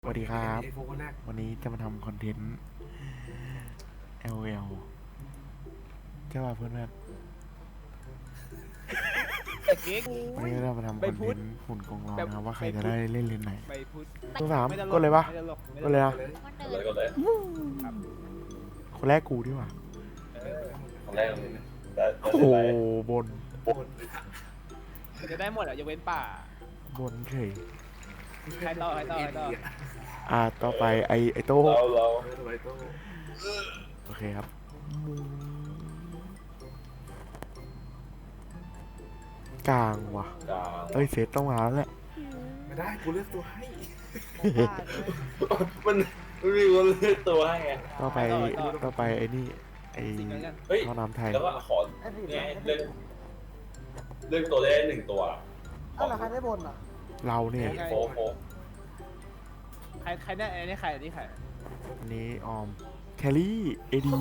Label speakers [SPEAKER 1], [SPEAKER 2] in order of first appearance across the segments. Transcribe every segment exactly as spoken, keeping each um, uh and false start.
[SPEAKER 1] สวัสดีครับ วันนี้จะมาทำคอนเทนต์ แอล โอ แอล ใช่ป่ะเพื่อนๆวันนี้เรามาทำคอนเทนต์หุ่นกองร้อนนะครับว่าใครจะได้เล่นเลนไหนตัวสามก็เลยปะก็เลยนะ
[SPEAKER 2] ก็เลย
[SPEAKER 1] คนแรกกูดีกว่า
[SPEAKER 2] คนแรกเลยแต่
[SPEAKER 1] โอ้โหบน
[SPEAKER 3] จะได้หมดอ่ะยกเว้นป่า
[SPEAKER 1] บนเฉย
[SPEAKER 3] ใครต่อใครต่อใครต่อ
[SPEAKER 1] อ่าต่อไปไอไอโต้
[SPEAKER 2] เราเรา
[SPEAKER 1] โอเคครับกลางว่ะ
[SPEAKER 2] กลาง
[SPEAKER 1] เอ้ยเซตต้องมาแล้วแหละ
[SPEAKER 4] ไม่ได้กูเลือกตัวให้
[SPEAKER 2] มันมันมีคนเลือกตัวให้ไง
[SPEAKER 1] ต่อไปต่อไปไอ้นี่ไอ้
[SPEAKER 3] สิ่งนั้นกัน
[SPEAKER 2] เฮ้ย
[SPEAKER 1] ท่อน้ำไทย
[SPEAKER 2] แล้วก็ขอเนี่ยเลือกเลือกตัวได้หนึ่งตัว
[SPEAKER 5] เอ้าแล้วใครได้บนอ่ะ
[SPEAKER 1] เราเนี่ย
[SPEAKER 2] โฟโฟ
[SPEAKER 3] ใครใครเนี่ยอันนี้ใครอันนี้ใคร
[SPEAKER 1] อันนี้ออมแคลรี่เอดี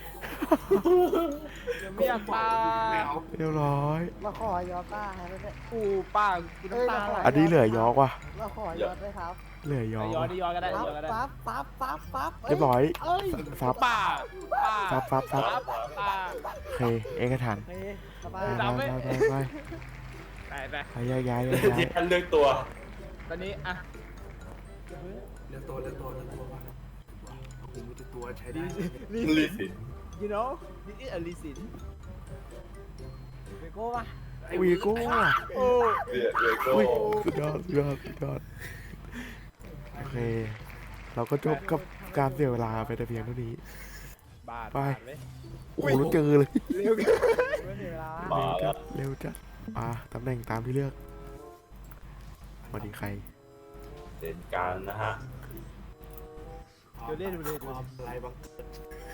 [SPEAKER 3] ยังไม่อยากป่า
[SPEAKER 1] เรียบร้อย
[SPEAKER 5] เราขอยอต้าให้ด้วย
[SPEAKER 3] กูป่ากูน้ำตาไหล
[SPEAKER 1] อันนี้เหลือยอกว่ะ
[SPEAKER 5] เราขอยอดด้วยครับ
[SPEAKER 1] เหลือยอ
[SPEAKER 3] ย้อน
[SPEAKER 1] ว่ะ
[SPEAKER 3] ดิย้อนก็ได้
[SPEAKER 5] ปั๊
[SPEAKER 3] ย้
[SPEAKER 5] บ
[SPEAKER 3] อนก็ได้
[SPEAKER 5] ปั๊บปั๊บปั๊บปั๊บ
[SPEAKER 1] เรียบร้อย
[SPEAKER 5] เอ้ย
[SPEAKER 1] ซับ
[SPEAKER 3] ป่าป่า
[SPEAKER 1] ซับซับซับ
[SPEAKER 3] ป่า
[SPEAKER 1] โอเคเอกฉันท์
[SPEAKER 5] เฮ้ยส
[SPEAKER 1] ไป
[SPEAKER 5] บาย
[SPEAKER 1] ไปไปไป
[SPEAKER 3] ไปไป
[SPEAKER 1] ไปย้ายย้ายย้าย
[SPEAKER 2] ที่ท่านเลือกตัว
[SPEAKER 3] ตอนนี้อ่ะ
[SPEAKER 4] เลือกตัวเลือกตัวเลือกตัวว่ากูมีแต่ตัวใช้ได้
[SPEAKER 2] ลิสิน
[SPEAKER 3] you know this is a reason
[SPEAKER 5] เบโก้ป่ะ
[SPEAKER 1] วีโก้ว่ะ
[SPEAKER 3] โอ้
[SPEAKER 2] เดือดเลยก็
[SPEAKER 1] อุ้ยสุดยอดสุดยอดสุดยอดโอเค เราก็จบกับการเสียเวลาไปแต่เพียงเท่านี้
[SPEAKER 3] บาด
[SPEAKER 1] ไป
[SPEAKER 3] บาดเว้ย
[SPEAKER 1] โอ้โหแล้วเจอเลย
[SPEAKER 3] เร็วกัน
[SPEAKER 5] ไม่มีเวลา
[SPEAKER 2] มา
[SPEAKER 1] เร็ว
[SPEAKER 2] แล้
[SPEAKER 1] จั
[SPEAKER 2] ว
[SPEAKER 1] ดเร็วจัดอ่ะตำแหน่งตามที่เลือกสวัสดีใคร
[SPEAKER 2] เด่นการนะฮะ
[SPEAKER 3] เดี๋ยวเล่นดูเลย
[SPEAKER 4] ความอะไรบางเกิด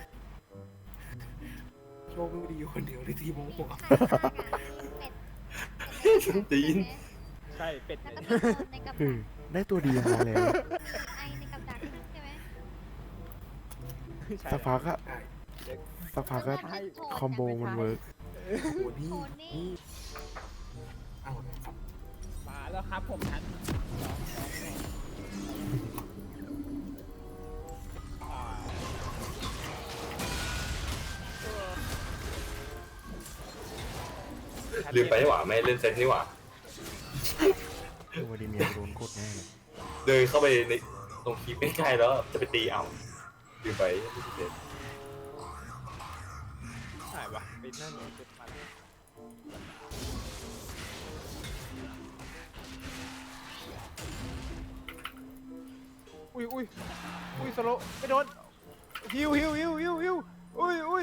[SPEAKER 4] โชคไม่ดีอยู่คนเดียวในทีมของผม
[SPEAKER 2] จีน
[SPEAKER 3] ใช่เป็ด
[SPEAKER 6] แล้ว
[SPEAKER 3] เนี่ย
[SPEAKER 6] ก็มีโดนในกับ
[SPEAKER 1] คือได้ตัวดีมาแล้ว
[SPEAKER 6] ไอในกับดักใช่ไหม
[SPEAKER 3] ใช่
[SPEAKER 1] สักพักอะ
[SPEAKER 4] ใช่
[SPEAKER 1] สักพักก็คอมโบมันเวิร์ก
[SPEAKER 4] โอ้นี่
[SPEAKER 6] โทนี่
[SPEAKER 4] เอ้าครับ
[SPEAKER 3] มาแล้วครับผมทันอ่า
[SPEAKER 2] ลืมไปนี่หว่าไม่เล่นเซตนี่หว่า
[SPEAKER 1] คือวาดิเมียร์โดนกดแน่เลย
[SPEAKER 2] เดินเข้าไปในตรงคีบใกล้ๆแล้วจะไปตีเอาลืมไปไม่เซต
[SPEAKER 3] ใช่ปะปิดหน้าหนูปิดมันอุ้ยอุ้ยอุ้ยสโลไม่โดนฮิวฮิวฮิวฮิวฮิวอุ้ยอุ้ย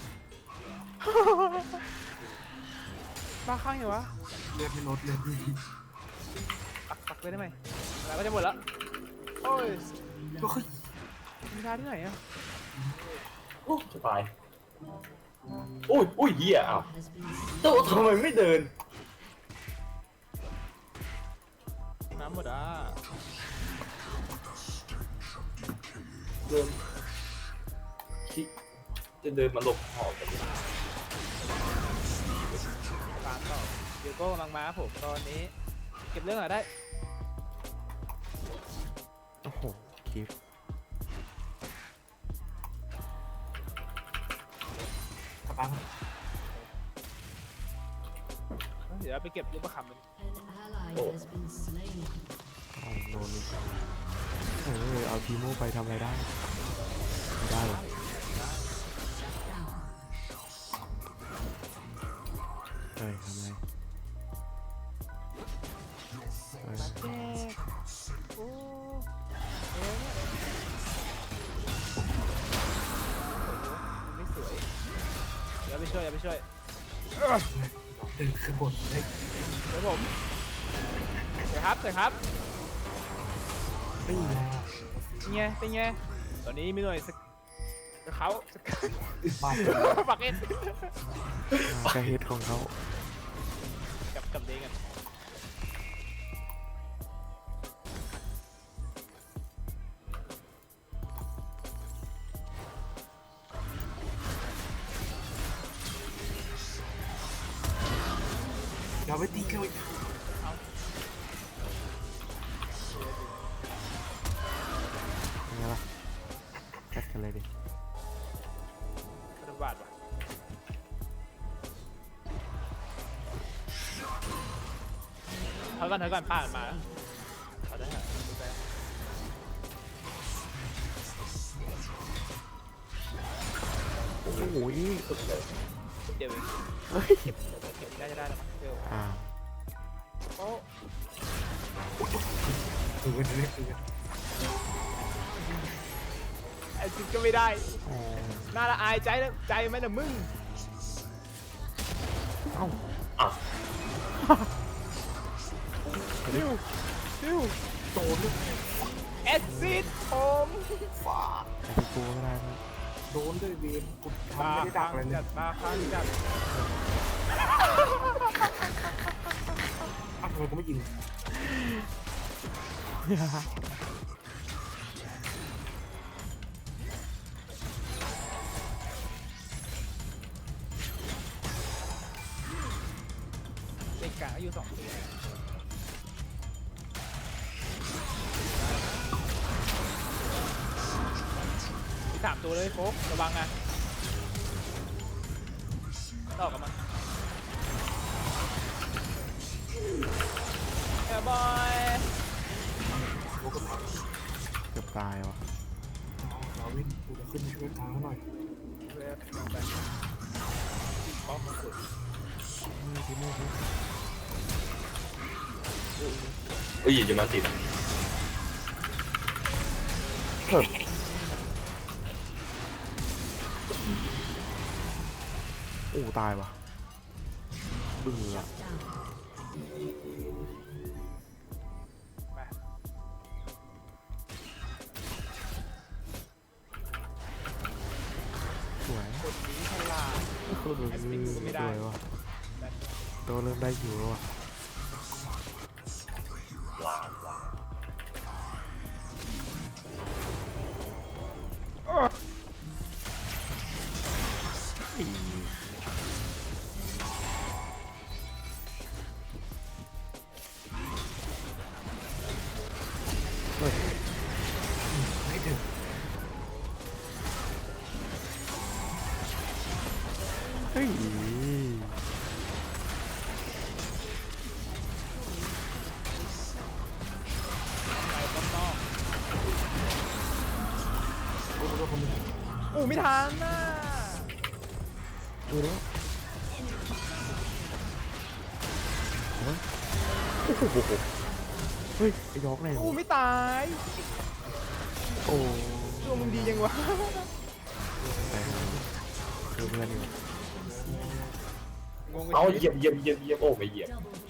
[SPEAKER 3] บ้าข้างเหรอวะ
[SPEAKER 4] เลือดไม่ลดเลย
[SPEAKER 3] ปักปักเลยได้ไหมเวลาก็จะหมดแล้วโอ้ย
[SPEAKER 4] ก็คือ
[SPEAKER 3] มีทาที่ไหนอะ
[SPEAKER 2] โอ้สบายอุ้ยอุ้ยเหี้ยอ้าวโตทำไมไม่เดิน
[SPEAKER 3] น้ำหมดอ่ะ
[SPEAKER 2] เดินคิจะเดินมาหลบหอบกัน
[SPEAKER 3] ตามต่อเดี๋ยวก็กำลังมาครับผมตอนนี้ เก็บเรื่องหน่อยได้
[SPEAKER 1] โอ้โหคลิป
[SPEAKER 4] กระปัง
[SPEAKER 3] เดี๋ยวไปเก็บลูกประคำมัน
[SPEAKER 2] โอ้
[SPEAKER 1] เอาโดนอีกเออเอาทีโมไปทำอะไรได้ไม่ได้หรอกเฮ้ยทำอะไรเฮ้ย
[SPEAKER 3] โอ้ไม่สวยอย่าไปช่วยอย่าไปช่วย
[SPEAKER 4] เดินขึ้นบนได้
[SPEAKER 3] เดี๋ยวผมเดี๋ยวครับเดี๋ยวครับ
[SPEAKER 4] ไม่มีแล้ว
[SPEAKER 3] เป็นไงเป็นไงตอนนี้มีหน่วยสกเขาสก
[SPEAKER 4] บ้าน
[SPEAKER 3] ปักเอ็น
[SPEAKER 1] อ่ากระเฮ็ดของเขา
[SPEAKER 3] กับกับเด้งกัน
[SPEAKER 4] อย่าไปตีเขาอีก
[SPEAKER 3] เ
[SPEAKER 1] กันเลยดิ
[SPEAKER 3] ธนบัตรว่ะเท่ากันเท่ากันผ่านมาเอาได้ฮะดูไป
[SPEAKER 1] โอ้โห
[SPEAKER 3] เดี๋ยวเอง
[SPEAKER 1] เฮ้ย
[SPEAKER 3] เก็บได้จะได้แล้วมั้งเดี๋ยว
[SPEAKER 1] อ่า
[SPEAKER 3] โอ้
[SPEAKER 4] คือกันเลยคือกัน
[SPEAKER 3] ไอ้จริงก็ไม่ได้
[SPEAKER 1] อ๋อ
[SPEAKER 3] น่าละอายใจนะใจไหมนะมึง
[SPEAKER 1] เอ้า
[SPEAKER 2] อ่ะ
[SPEAKER 3] ซิวซิว
[SPEAKER 4] โดนด้วย
[SPEAKER 3] แอดซิดผม
[SPEAKER 4] ฝา
[SPEAKER 1] ไอ้ที่กูไม่ได้มั้ย
[SPEAKER 4] โดนด้วยเวรกู
[SPEAKER 3] บา
[SPEAKER 4] ทำไม่ได้ดั
[SPEAKER 3] คั
[SPEAKER 4] ก
[SPEAKER 3] ง
[SPEAKER 4] เลยเนี่
[SPEAKER 3] จั
[SPEAKER 4] ย
[SPEAKER 3] ดบาคังจัด
[SPEAKER 4] อ้าวทำไมกูไม่ยิง
[SPEAKER 3] เด็กกลางอายุสองปีมีสามตัวเลยโฟกระวังนะต่อกับมันเอ้ยบอย
[SPEAKER 4] กูก็พัก
[SPEAKER 1] เกือบตายว่ะ
[SPEAKER 4] เราวิ่งกูจะขึ้นช่วยทางเขาหน่อย
[SPEAKER 3] เว็บลงไปป้อมสุด
[SPEAKER 1] นี่ที่นี่ที่
[SPEAKER 2] เอ้ยอย่ามาติด
[SPEAKER 1] เฮ้ยโอ้ตายว่ะบึ้งอ่ะ
[SPEAKER 3] ไป
[SPEAKER 1] สวย
[SPEAKER 3] คนนี้ฉลาด
[SPEAKER 1] เออสวยว่ะตัวเริ่มได้อยู่แล้วว่ะ
[SPEAKER 2] ว้าวว้าว
[SPEAKER 1] เฮ้ย
[SPEAKER 4] ไม่ถึง
[SPEAKER 1] เฮ้ย
[SPEAKER 3] ไปป้อมนอก
[SPEAKER 4] กูก็คนนึง
[SPEAKER 3] อู้ไม่ทันน่ะ
[SPEAKER 1] ดูดิเฮ้ยโอ้โหเฮ้ยไอ้ยอกไหน
[SPEAKER 3] อู้
[SPEAKER 1] วะ
[SPEAKER 3] ไม่ตาย
[SPEAKER 1] โอ้
[SPEAKER 3] ตัวมึงดียังวะ
[SPEAKER 1] แต่คือเพื่อนอยู่
[SPEAKER 3] งง
[SPEAKER 2] เอา
[SPEAKER 3] ไป
[SPEAKER 2] เหยียบเหยียบเหยียบเหยียบโอ้ไม่เหยียบ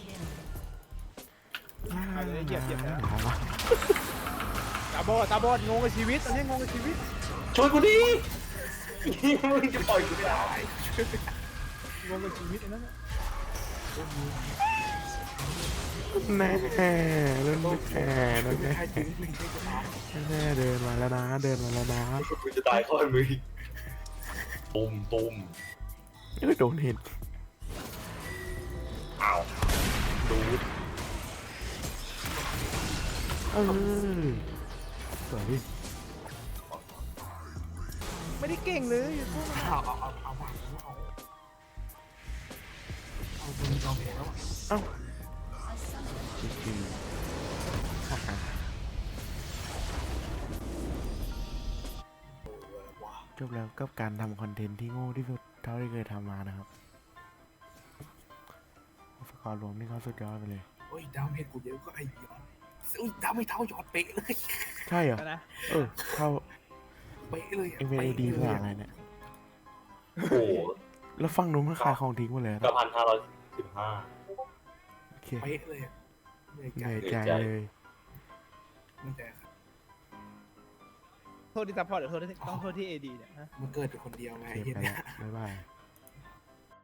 [SPEAKER 3] เอาเลยเหยียบเหยียบนะ
[SPEAKER 1] เอาวะ
[SPEAKER 3] ตาบอดตาบอดงงกับชีวิตตอนนี้งงกับชีวิต
[SPEAKER 2] ช่วยกูดิมึงจะปล่อยกูไม่ได้
[SPEAKER 3] งงกับชีวิตไอ้นั่นน่ะ
[SPEAKER 1] แน่เล่นไม่แน่นะแน่
[SPEAKER 4] ใครจริงจริงใช่จะตาย
[SPEAKER 1] แน่เดินมาแล้วนะเดินมาแล้วนะ
[SPEAKER 2] กูจะตายข้อมือตุ้มตุ้ม
[SPEAKER 1] เอ้ยโดนเห็น
[SPEAKER 2] อ้าวดูด
[SPEAKER 1] เออสวยดิ
[SPEAKER 3] ไม่ได้เก่งเลยพวกมัน
[SPEAKER 4] เอาเอาเอาเอาวางเอาเอาคนยอมแพ้แล้ว
[SPEAKER 1] เอ้าจริงๆฮ่าฮ่าจบแล้วกับการทำคอนเทนต์ที่โง่ที่สุดเท่าที่เคยทำมานะครับสกอร์รวมนี่เขาสุดยอดไปเลย
[SPEAKER 4] โอ้ยดาวเห็ดกูเยอะก็ไอ้ยอดอุ้ยดาวไม่เท่ายอดเป๊ะเลย
[SPEAKER 1] ใช่เหรอ
[SPEAKER 3] นะ
[SPEAKER 1] เออเท่า
[SPEAKER 4] เป๊ะเลย
[SPEAKER 1] เอ็มเอดีภาษาอะไรเนี่ย
[SPEAKER 2] โอ้โห
[SPEAKER 1] แล้วฟังนู้นมันขายของทิ้งหมดเลย
[SPEAKER 2] กระพันห้าร้อยสิบห้า
[SPEAKER 1] โอเค
[SPEAKER 4] เป๊ะเลยเหนื่อย
[SPEAKER 1] เห
[SPEAKER 4] ใจ
[SPEAKER 1] นื่อยใจเลย
[SPEAKER 4] เหนื่อยใจครับ
[SPEAKER 3] โทษที่ซัพพอร์ตหรือโทษที่ต้องโทษที่เอดีเนี่ยฮะ
[SPEAKER 4] มันเกิดเป็นคนเดียวไง
[SPEAKER 1] โอเค
[SPEAKER 4] เห็น
[SPEAKER 1] ไป
[SPEAKER 4] ไหม
[SPEAKER 1] แล้วบ๊ายบาย